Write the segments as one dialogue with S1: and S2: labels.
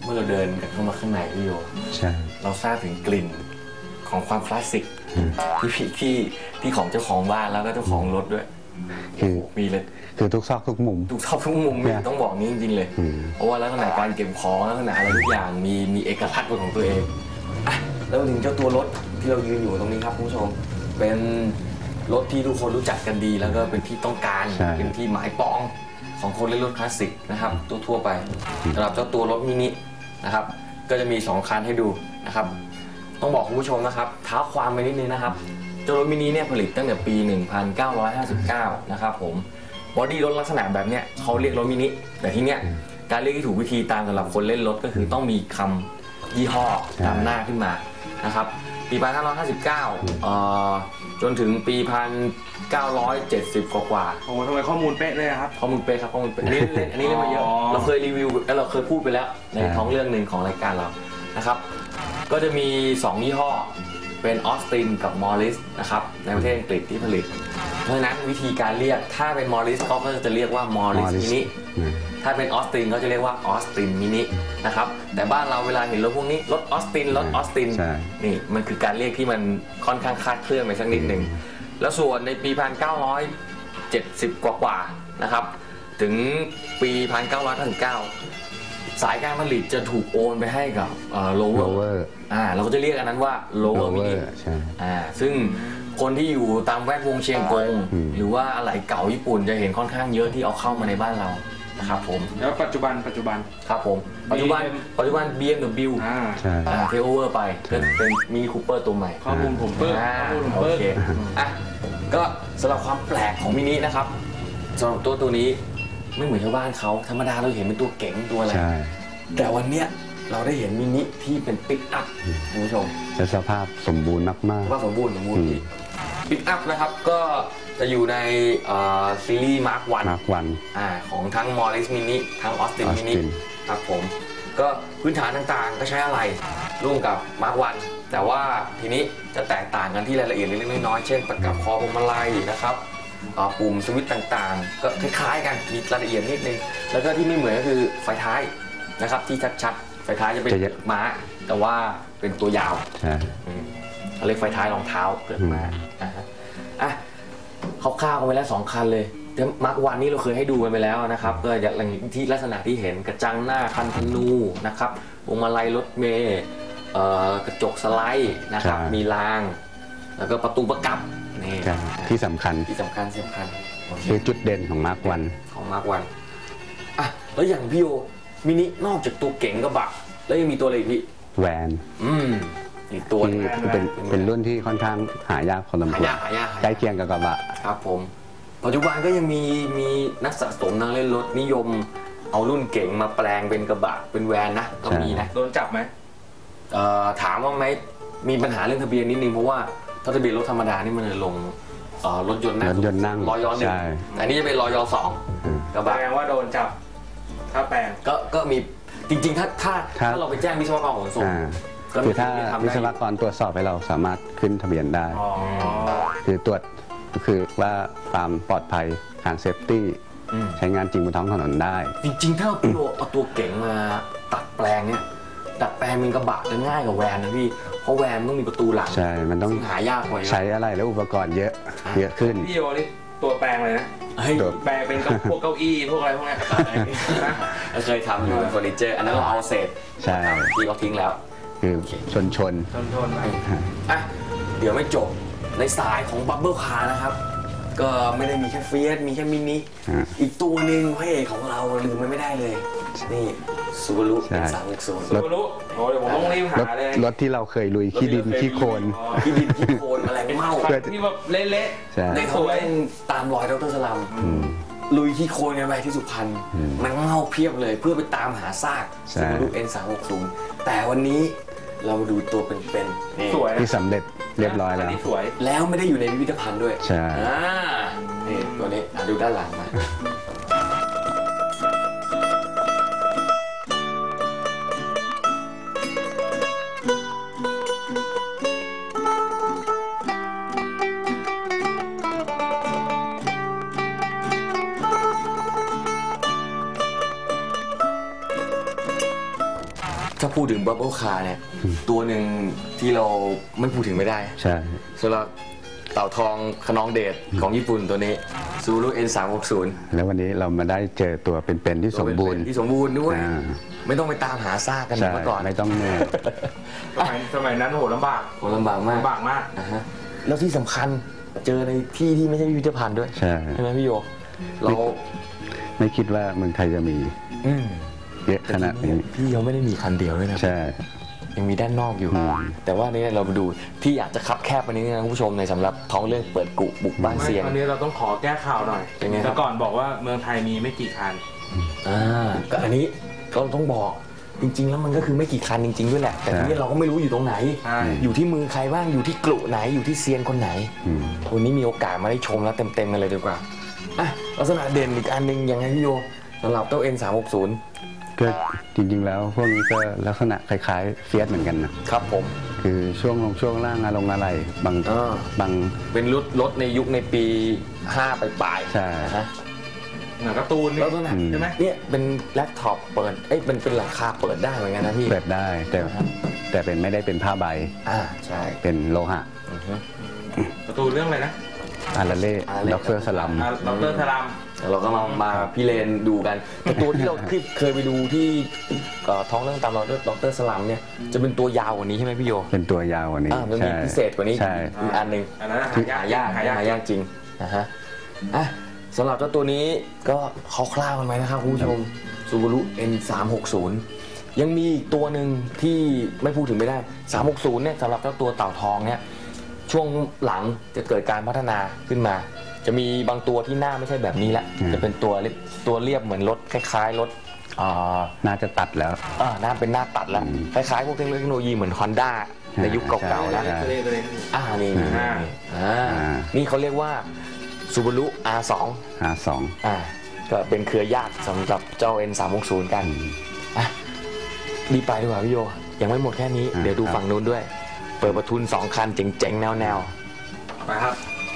S1: มื่อเราเดินกันเข้ามาข้างในพี่โย
S2: ใช่
S1: เราทราบถึงกลิ่นของความคลาสสิกที่ของเจ้าของบ้านแล้วก็เจ้าของรถด้วย
S2: คือ
S1: มีเลย
S2: คือทุกซอกทุกมุม
S1: ต้องบอกนี้จริงๆเลยเพราะว่าลักษณะการเก็บของลักษณะอะไรทุกอย่างมีเอกลักษณ์เป็นของตัวเองอ่ะแล้วถึงเจ้าตัวรถที่เรายืนอยู่ตรงนี้ครับคุณผู้ชมเป็นรถที่ทุกคนรู้จักกันดีแล้วก็เป็นที่ต้องการเป็นที่หมายปองของคนเล่นรถคลาสสิกนะครับทั่วไปสำหรับเจ้าตัวรถมินินะครับก็จะมี2คันให้ดูนะครับต้องบอกคุณผู้ชมนะครับเท้าความไปนิดนึงนะครับเจ้ารถมินิเนี่ยผลิตตั้งแต่ปี 1959 นะครับผมบอดี้รถลักษณะแบบเนี้ยเขาเรียกรถมินิแต่ที่เนี้ยการเรียกที่ถูกวิธีตามสำหรับคนเล่นรถก็คือต้องมีคำยี่ห้อนำหน้าขึ้นมานะครับปี 1959 จนถึงปี 1970 กว่า
S3: โอ้ทำไมข้อมูลเป๊ะเลยครับ
S1: ข้อมูลเป๊ะครับข้อมูลเป๊ะอันนี้เล่นมาเยอะเราเคยรีวิวเราเคยพูดไปแล้วในท้องเรื่องหนึ่งของรายการเรานะครับก็จะมี2ยี่ห้อเป็นออสตินกับมอริสนะครับในประเทศอังกฤษที่ผลิตเพราะฉะนั้นวิธีการเรียกถ้าเป็นมอริสก็จะเรียกว่ามอริสมินิถ้าเป็นออสตินก็จะเรียกว่าออสตินมินินะครับแต่บ้านเราเวลาเห็นรถพวกนี้รถออสตินนี่มันคือการเรียกที่มันค่อนข้างคลาดเคลื่อนไปสักนิดหนึ่งแล้วส่วนในปี 1970 กว่านะครับถึงปี 1999 สายการผลิตจะถูกโอนไปให้กับlower เราก็จะเรียกอันนั้นว่า lower mini ซึ่งคนที่อยู่ตามแวดวงเชียงกงหรือว่าอะไหล่เก่าญี่ปุ่นจะเห็นค่อนข้างเยอะที่เอาเข้ามาในบ้านเรานะครับผม
S3: แล้วปัจจุบัน
S1: ครับผมปัจจุบัน BMW เทโอเวอร์ไปเป็นมินิคูเปอร์ตัวใหม่
S3: ข้อมูลผมเพิ่ม
S1: โอเคก็สำหรับความแปลกของมินินะครับสำหรับตัวนี้ไม่เหมือนชาวบ้านเขาธรรมดาเราเห็นเป็นตัวเก๋งตัวอะไรแต่วันเนี้ยเราได้เห็นมินิที่เป็นปิกอัพคุณผู้ชม
S2: สภาพสมบูรณ์มาก
S1: ๆว่าสมบูรณ์ปิกอัพนะครับก็จะอยู่ในซีรีส์มาร์ควันของทั้งมอริสมินิทั้งออสตินมินิครับผมก็พื้นฐานต่างๆก็ใช้อะไรร่วมกับมาร์ควันแต่ว่าทีนี้จะแตกต่างกันที่รายละเอียดเล็กๆน้อยๆเช่นประกับคอพวงมาลัยนะครับปุ่มสวิตช์ต่างๆก็คล้ายๆกันมีรายละเอียดนิดนึงแล้วก็ที่ไม่เหมือนก็คือไฟท้ายนะครับที่ชัดๆไฟท้ายจะเป็นม้าแต่ว่าเป็นตัวยาวเขาเรียกไฟท้ายรองเท้าเกิดมาคร่าวๆกันไปแล้ว2คันเลยแต่มาร์ควันนี้เราเคยให้ดูกันไปแล้วนะครับก็อย่างที่ลักษณะที่เห็นกระจังหน้าคันธนูนะครับพวงมาลัยรถเมล์กระจกสไลด์นะครับมีรางแล้วก็ประตูประกับนี่
S2: ที่สำคัญ
S1: คือ
S2: จุดเด่นของมาร์ควัน
S1: แล้วอย่างพี่โอมินินอกจากตัวเก๋งกระบะแล้วยังมีตัวอะไรพี่
S2: แวน
S1: อีกตัว
S2: เป็นรุ่นที่ค่อนข้างหายากพอสมควรใกล้เคียงกับกระบะ
S1: ครับผมปัจจุบันก็ยังมีนักสะสมนักเล่นรถนิยมเอารุ่นเก๋งมาแปลงเป็นกระบะเป็นแวนนะก็มีนะ
S3: โดนจับไหม
S1: ถามว่าไหมมีปัญหาเรื่องทะเบียนนิดนึงเพราะว่าถ้าทะเบียนรถธรรมดานี่มันจะลงรถยนต์
S2: นั่ง
S1: รอย1แต่นี่จะเป็นรอย2กระบะ
S3: แปลว่าโดนจับถ้าแปลง
S1: ก็มีจริงๆถ้าเราไปแจ้งวิศวกรขนส่ง
S2: คือถ้าวิศวกรตรวจสอบให้เราสามารถขึ้นทะเบียนได้คือตรวจคือว่าความปลอดภัยทางเซฟตี้ใช้งานจริงบนท้องถนนได้
S1: จริงๆถ้าเอาตัวเก๋งมาตัดแปลงเนี่ยดัดแปลงเป็นกระบะจะง่ายกว่าแวนนะพี่เพราะแวนต้องมีประตูหลัง
S2: ใช่มันต้อง
S1: หายากกว่า
S2: ใช้อะไรแล้วอุปกรณ์เยอะขึ้น
S3: พี่โยนี่ตัวแปลงเลยนะแปลงเป็นพวกเก้าอี้พวกอะไรพวกนี้
S1: เคยทำอยู่เฟอร์นิเจอร์อันนั้นเราเอาเศษที่เราทิ้งแล้ว
S2: คือชน
S1: เดี๋ยวไม่จบในสายของบับเบิ้ลคาร์นะครับก็ไม่ได้มีแค่เฟียสมีแค่มินิอีกตัวหนึ่งพระเอกของเราลืมไม่ได้เลยนี่ซูบารุเป็น360
S3: ซูบารุโอ้เดี๋ยวผมต้องรีบหาเลย
S2: รถที่เราเคยลุยขี้ดินขี้โคลน
S1: อะไรเมา
S3: ที่แบบเละ
S1: ๆในเขาเป็นตามรอยดร.สลัมลุยขี้โคลนกันไปที่สุพรรณมันเมาเพียบเลยเพื่อไปตามหาซากซูบารุ N360แต่วันนี้เรามาดูตัวเป็น
S3: สวย
S2: ที่สำเร็จเรียบร้อย
S1: แล้วไม่ได้อยู่ในพิพิธภัณฑ์ด้วย
S2: ใช่
S1: นี่ตัวนี้ดูด้านหลังมาถ้าพูดถึงบับเบิลคาร์เนี่ยตัวหนึ่งที่เราไม่พูดถึงไม่ได้
S2: ใช่
S1: สำหรับเต่าทองขนองเดชของญี่ปุ่นตัวนี้ Subaru N360
S2: แล้ววันนี้เรามาได้เจอตัวเป็นๆที่สมบูรณ์
S1: ที่สมบูรณ์ด้วย
S2: อ่า
S1: ไม่ต้องไปตามหาซากกันเหมือน
S2: ใช่
S1: เมื่อก่อน
S2: ไม่ต้องเหนื่อย
S3: สมัยนั้นโหลำบาก
S1: โหลำบากมาก
S3: ลำบากมาก
S1: นะฮะแล้วที่สำคัญเจอในที่ที่ไม่ใช่พิพิธภัณฑ์ด้วย
S2: ใช่
S1: ไหมพี่โยเรา
S2: ไม่คิดว่าเมืองไทยจะมี
S1: อืม
S2: เยอะขนาดนี้
S1: พี่ยังไม่ได้มีคันเดียวด้วยนะ
S2: ใช่
S1: ยังมีด้านนอกอยู่
S2: อืม
S1: แต่ว่านี่เรามาดูที่อยากจะคับแคบวันนี้นะคุณผู้ชมในสำหรับท้องเรื่องเปิดกุบุกบ้าน
S3: ไม่
S1: เซียน
S3: ตอนนี้เราต้องขอแก้ข่าวหน่อย
S1: เป็นไงครับ
S3: แต่ก่อนบอกว่าเมืองไทยมีไม่กี่คัน
S1: ก็อันนี้ก็ต้องบอกจริง ๆ แล้วมันก็คือไม่กี่คันจริง ๆ ด้วยแหละ แต่ทีนี้เราก็ไม่รู้อยู่ตรงไหน
S3: ใช่
S1: อยู่ที่มือใครบ้างอยู่ที่กลุ่ไหนอยู่ที่เซียนคนไหน
S2: อืม
S1: วันนี้มีโอกาสมาได้ชมแล้วเต็มๆกันเลยดีกว่าอ่ะลักษณะเด่นอีกอันหนึ่งยังไงพี่โยสำหรับเจ้า N360
S2: ก็จริงๆแล้วพวกนี้ก็ลักษณะคล้ายๆเฟียสเหมือนกันนะครับ
S1: ผม
S2: คือช่วงลงช่วงล่างอะไรบาง
S1: อ่า
S2: บาง
S1: เป็นรถในยุคในปี 5 ปลายๆ
S2: ใช่
S1: นะฮะ
S3: หนังการ์ตูนนี่
S1: แล้วตัวไหน
S3: ใช่ไหม
S1: เนี่ยเป็นแล็ปท็อปเปิดเป็นหลังคาเปิดได้เหมือนกันนะพี่
S2: เปิดได้แต่เป็นไม่ได้เป็นผ้าใบ
S1: ใช่
S2: เป็นโลหะ
S1: อือฮึ
S3: การ์ตูนเรื่องอะไรนะ
S2: อาราเล่
S1: อาราเล่
S2: ด็อกเตอร์สลัม
S3: ดรธาราม
S1: แล้วเราก็มาพี่เลนดูกันแต่ตัวที่เราเคยไปดูที่ท้องเรื่องตามเราดรสลัมเนี่ยจะเป็นตัวยาวกว่านี้ใช่ไหมพี่โย
S2: เป็นตัวยาวกว่านี้
S1: มันมีพิเศษกว่านี้
S2: ใช่
S1: อีกอันหนึ่ง
S3: อันนั้น
S1: หายากจริงนะฮะอ่ะสำหรับเจ้าตัวนี้ก็คร่าวๆกันไหมนะครับคุณผู้ชม Subaru N360 ยังมีอีกตัวหนึ่งที่ไม่พูดถึงไม่ได้ 360 เนี่ยสำหรับเจ้าตัวเต่าทองเนี่ยช่วงหลังจะเกิดการพัฒนาขึ้นมา จะมีบางตัวที่หน้าไม่ใช่แบบนี้ละจะเป็นตัวเรียบเหมือนรถคล้ายๆรถ
S2: น่าจะตัดแล้ว
S1: หน้าเป็นหน้าตัดแล้วคล้ายๆพวกเทคโนโลยีเหมือน Honda ในยุคเก่าๆแล้ว
S2: ใช่
S3: ตัวนี้
S1: นี่
S3: อ่า
S1: นี่เขาเรียกว่า Subaru R2
S2: R2
S1: ก็เป็นเครือญาติสำหรับเจ้า N360 กันอ่ะรีบไปดีกว่าพี่โยยังไม่หมดแค่นี้ เดี๋ยวดูฝั่งนู้นด้วย เปิดประทุน 2 คันเจ๋งๆ แนว
S3: ไปครับ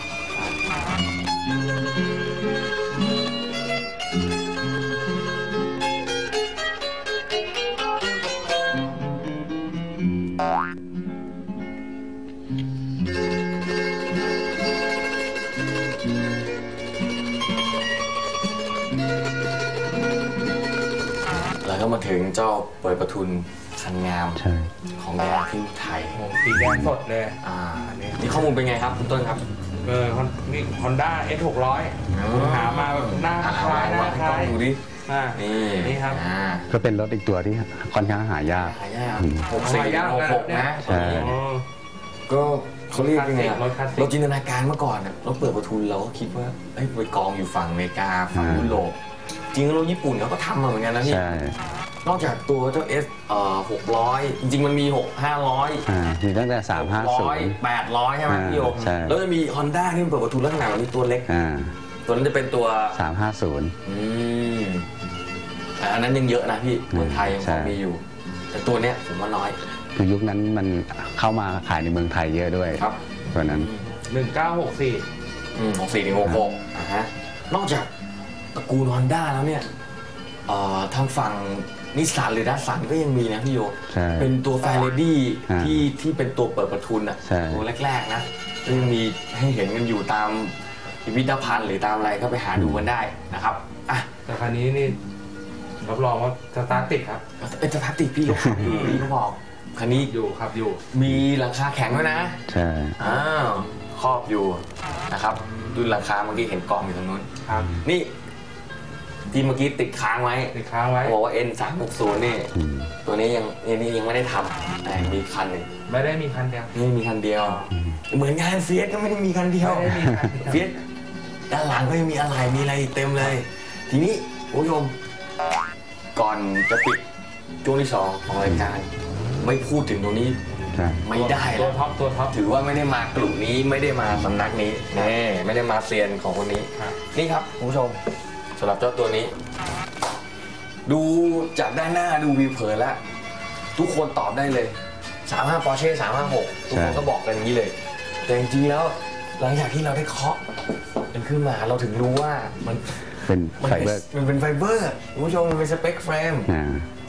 S1: ๆ แล้วก็มาถึงเจ้าเปิดประทุนคันงาม
S2: ใช่
S1: ของแดงที่ไทย
S3: โอ้สีแดงสดเลย
S1: นี่ข้อมูลเป็นไงครับคุณต้นครับ
S3: นี่ฮอนด้า S600 หามาแบบหน้าคล้ายหน้าคล้าย
S1: ดูดิ
S3: อ่า
S1: นี่
S3: ครับ
S2: ก็เป็นรถอีกตัวที่ค่อนข้างหายาก
S1: หายาก
S2: อืม
S1: 6466นะ
S2: ใช่
S1: ก็เขาเรียกยังไงอะ
S3: รถคลาสสิก
S1: เราจินตนาการเมื่อก่อนอะเราเปิดประทุนเราก็คิดว่าไปกองอยู่ฝั่งอเมริกาฝั่งยุโรปจริงๆเราญี่ปุ่นเขาก็ทำมาเหมือนกันนะพี่
S2: ใช่
S1: นอกจากตัวเจ้า S 600 จริงๆมันมี500
S2: มีตั้งแต่ 350
S1: 800 ใช่ไหมพี่โยม
S2: ใช่
S1: แล้วจะมี Honda ที่มันเปิดประทุนลักษณะแบบนี้ตัวเล็ก ตัวนั้นจะเป็นตัว
S2: 350
S1: อืมแต่อันนั้นยังเยอะนะพี่เมืองไทยยังพ
S2: ใช่
S1: อมีอยู่ แต่ตัวเนี้ยผมว่าน้อย
S2: คือยุคนั้นมันเข้ามาขายในเมืองไทยเยอะด้วย
S1: ครับ
S2: ตัวนั้น
S3: 1964
S1: 64ถึง66ฮะนอกจากตระกูล Honda แล้วเนี่ยทางฝั่งนิสสันหรือดัสสันก็ยังมีนะพี่โย
S2: ใช่
S1: เป็นตัวแฟร์เรดี้
S2: อ่า
S1: ที่เป็นตัวเปิดประทุนอ่ะ
S2: ใช่
S1: ตัวแรกๆนะก็ยังมีให้เห็นกันอยู่ตามพิพิธภัณฑ์หรือตามอะไรก็ไปหาดูกันได้นะครับอ่ะ
S3: แต่คันนี้นี่รับรองว่าสตาร์ทติดครับ
S1: เป็นสภาพติดพี่เขาขับอยู่พี่เขาบอกคันนี้
S3: อยู่ครับอยู่
S1: มีหลังคาแข็งด้วยนะ
S2: ใช่
S1: อ้าวครอบอยู่นะครับดูหลังคาเมื่อกี้เห็นกองอยู่ตรงนู้น
S3: ครับ
S1: นี่ที่เมื่อกี้ติดค้างไว้
S3: ติดค้างไว้
S1: บอกว่า N360 นี่
S2: อืม
S1: ตัวนี้ยังไม่ได้ทำแต่มีคันหนึ่ง
S3: ไม่ได้มีคันเดียว
S1: นี่มีคันเดียว เหมือนงานเฟียสก็ไม่ได้มีคันเดียว
S3: ไม่ได้มีคันเดียว
S1: เฟียสด้านหลังก็ยังมีอะไรมีอะไรอีกเต็มเลย ทีนี้คุณผู้ชมก่อนจะปิดช่วงที่สองของรายการไม่พูดถึงตรงนี้
S2: ใช่
S1: ไม่ได้
S3: ตัว
S1: แล้ว
S3: ท็อปตัวท็อป
S1: ถือว่าไม่ได้มากลุ่มนี้ไม่ได้มาสำนักนี้แน่ไม่ได้มาเซียนของคนนี้
S3: ครับ
S1: นี่ครับคุณผู้ชมสำหรับเจ้าตัวนี้ ดูจากด้านหน้าดูวิวเผินแล้ว ทุกคนตอบได้เลย 35 Porsche 356 ทุกคนก็บอกกันอย่างนี้เลย แต่จริงๆแล้วหลังจากที่เราได้เคาะมันขึ้นมาเราถึงรู้ว่ามัน
S2: เป็น
S1: มัน
S2: ไฟ
S1: เป็น
S2: เบอร์
S1: มันเป็นไฟเบอร์คุณผู้ชมมันเป็นสเปคเฟรม
S2: อ่า
S1: อ่ะ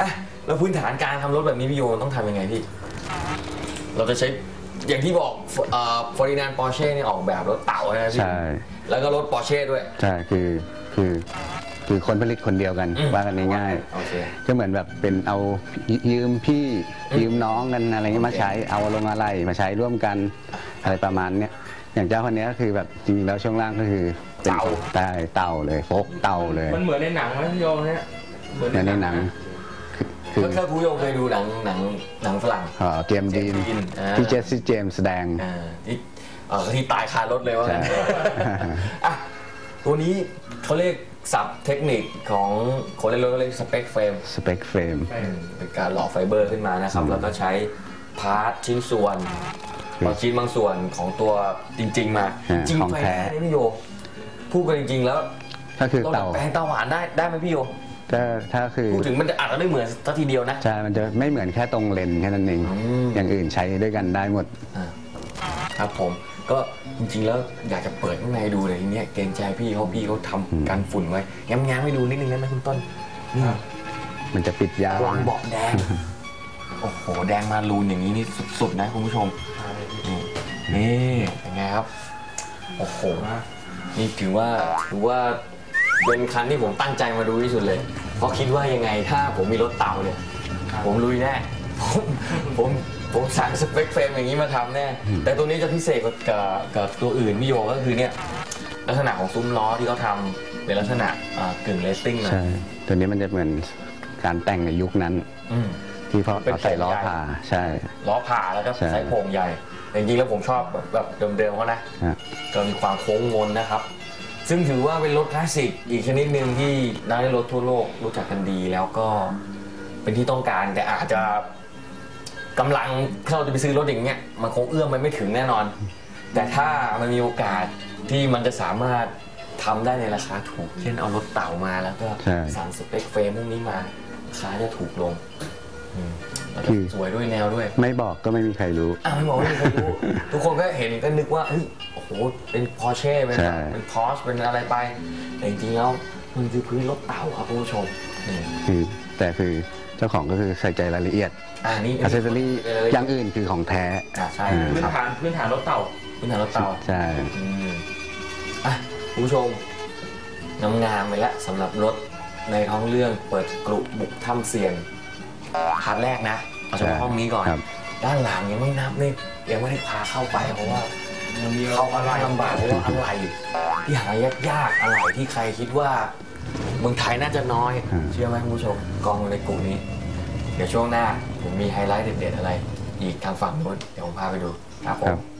S1: แล้วพื้นฐานการทำรถแบบนี้พี่โยต้องทำยังไงพี่เราจะใช้อย่างที่บอกฟอร์ดินานด์ปอร์เช่เนี่ยออกแบบรถเต่านะพี่
S2: ใช่
S1: แล้วก็รถปอร์เช่ด้วย
S2: ใช่คือคนผลิตคนเดียวกันว่ากันง่าย
S1: โอเค
S2: ๆก็เหมือนแบบเป็นเอายืมพี่ยืมน้องกันอะไรเงี้ยมาใช้เอาลงอะไรมาใช้ร่วมกันอะไรประมาณเนี้ยอย่างเจ้าคนนี้ก็คือแบบจริงๆแล้วช่วงล่างก็คือเป็น
S1: เต่า
S2: ได้เต่าเลยโฟกเต่าเลย
S3: มันเหมือนในหนังไหมพี่โยเนี่ยเหมือน
S2: ในหนังคือ
S1: ถ้าคุณผู้ชมเคยดูหนังฝรั่ง
S2: เจมส์ดีน
S1: อ่า
S2: ที่เจสซี่เจมส์แสดง
S1: ที่ตายคารถเลยว่างั้น
S2: ใช่
S1: อ่ะตัวนี้เขาเรียกศัพท์เทคนิคของคนเล่นรถก็เรียกสเปคเฟรม
S2: สเปคเฟรม
S1: เป็นการหล่อไฟเบอร์ขึ้นมานะครับ แล้วก็ใช้พาร์ทชิ้นส่วน
S2: คือ
S1: บางชิ้นบางส่วนของตัวจริง ๆ มา
S2: อ่า
S1: จริง
S2: ของ
S1: ไฟ
S2: แท้
S1: แท้นี่พี่โยพูดกันจริง ๆ แล้ว
S2: ก็คือ
S1: เราดั
S2: เต่า
S1: ดแปลงเตาหวานได้ไหมพี่โย
S2: ถ้าคือ
S1: พูดถึงมันอาจจะไม่เหมือนสักทีเดียวนะ
S2: ใช่ มันจะไม่เหมือนแค่ตรงเลนแค่นั้นเอง
S1: ม
S2: อย่างอื่นใช้ด้วยกันได้หมด
S1: ครับผมก็จริงๆแล้วอยากจะเปิดข้างในดูเลยทีเนี้ยเกรงใจพี่เขาทำกันฝุ่นไว้แง้มๆให้ดูนิดนึงได้ไหมคุณต้นนี่
S2: มันจะปิดยาก
S1: วางเบาะแดง โอ้โห แดงมารูนอย่างนี้นี่สุดๆนะคุณผู้ชม นี่เป็นไงครับ โอ้โห นี่ถือว่าเป็นคันที่ผมตั้งใจมาดูที่สุดเลย เพราะคิดว่ายังไงถ้าผมมีรถเต่าเนี่ย ผมลุยแน่ ผมสั่งสเปคเฟรมอย่างนี้มาทำแน่ แต่ตัวนี้จะพิเศษกับตัวอื่นพี่โยก็คือเนี่ยลักษณะของซุ้มล้อที่เขาทำเป็นลักษณะกึ่งเลสซิ่งนะ
S2: ใช่ ตัวนี้มันจะเหมือนการแต่งในยุคนั้น
S1: อืม
S2: ที่เขา
S1: เป็น
S2: เอาใส่ล้อ
S1: โครงใหญ่
S2: ผ่า ใช่
S1: ล้อผ่าแล้วก็
S2: ใช่
S1: ใส่โครงใหญ่แต่จริงๆแล้วผมชอบแบบเดิมๆเขานะ
S2: ฮะ
S1: ก็มีความโค้งมนนะครับ ซึ่งถือว่าเป็นรถคลาสสิกอีกชนิดหนึ่งที่นักเล่นรถทั่วโลกรู้จักกันดีแล้วก็เป็นที่ต้องการแต่อาจจะกำลังถ้าเราจะไปซื้อรถอย่างเงี้ยมันคงเอื้อมไปไม่ถึงแน่นอน แต่ถ้ามันมีโอกาสที่มันจะสามารถทำได้ในราคาถูก เช่นเอารถเต่ามาแล้วก็
S2: ใช่
S1: สั่งสเปคเฟรมพวกนี้มาราคาจะถูกลงแล้วก็
S2: คือ
S1: สวยด้วยแนวด้วย
S2: ไม่บอกก็ไม่มีใครรู้
S1: ไม่บอกไม่มีใครรู้ ทุกคนก็เห็นก็นึกว่าเฮ้ยโอ้โหเป็นพอร์เช่เป็น
S2: ใช่
S1: เป็นพอร์ชเป็นอะไรไปแต่จริงๆแล้วมันคือพื้นรถเต่าครับคุณผู้ชมนี่
S2: แต่คือเจ้าของก็คือใส่ใจรายละเอียด
S1: นี่
S2: อัเซสซอรี่อย่างอื่นคือของแท้
S1: ใช่
S3: พื้น
S1: ครับ
S3: ฐานรถเต่า
S1: พื้นฐานรถเต่า
S2: ใช่
S1: อืมคุณผู้ชมงามๆไปแล้วสำหรับรถในท้องเรื่องเปิดกรุบุกถ้ำเซียนพาร์ทแรกนะเอาเฉพาะห้องนี้ก่อน
S2: ครับ
S1: ด้านหลังยังไม่นับนี่ยังไม่ได้พาเข้าไปเพราะว่าเข้ามาลำบากเพราะว่าอะไรที่หายากๆอะไรที่ใครคิดว่าเมืองไทยน่าจะน้อย เชื่อไหมคุณผู้ชมกองอยู่ในกลุ่มนี้ เดี๋ยวช่วงหน้าผมมีไฮไลท์เด็ดๆอะไร อีกทางฝั่งนู้นเดี๋ยวผมพาไปดูครับผม